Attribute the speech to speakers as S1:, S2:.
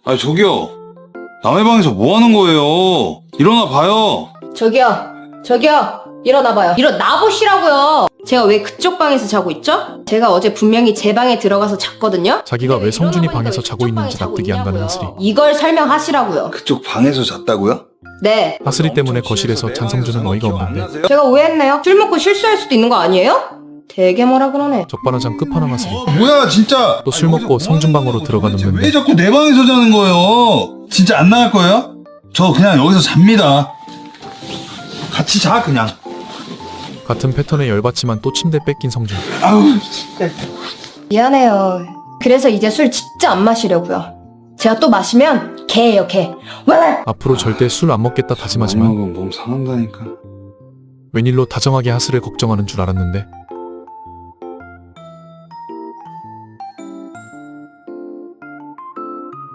S1: 아니 저기요, 남의 방에서 뭐 하는 거예요? 일어나 봐요.
S2: 저기요, 일어나봐요. 일어나보시라고요. 제가 왜 그쪽 방에서 자고 있죠? 제가 어제 분명히 제 방에 들어가서 잤거든요?
S3: 자기가 왜 성준이
S2: 일어나보니까
S3: 방에서
S2: 왜
S3: 자고
S2: 그쪽
S3: 있는지
S2: 방에 자고
S3: 납득이 안 가는
S2: 있냐고요.
S3: 하슬이.
S2: 이걸 설명하시라고요.
S1: 그쪽 방에서 잤다고요?
S2: 네,
S3: 하슬이 때문에 거실에서 장성준은 어이가 없는데
S2: 제가 오해했네요. 술 먹고 실수할 수도 있는 거 아니에요? 되게 뭐라 그러네.
S3: 적반하장 끝판왕 하슬이.
S1: 뭐야 진짜.
S3: 또 술 먹고 성준 방으로 들어가
S1: 왜
S3: 눕는데
S1: 자꾸 내 방에서 자는 거예요? 진짜 안 나갈 거예요? 저 그냥 여기서 잡니다. 같이 자 그냥.
S3: 같은 패턴에 열받지만 또 침대 뺏긴 성준.
S1: 아우.
S2: 미안해요. 그래서 이제 술 진짜 안 마시려고요. 제가 또 마시면 개예요, 개. 왜?
S3: 앞으로 절대 술 안 먹겠다 다짐하지만
S1: 먹으면 몸 상한다니까.
S3: 웬일로 다정하게 하슬을 걱정하는 줄 알았는데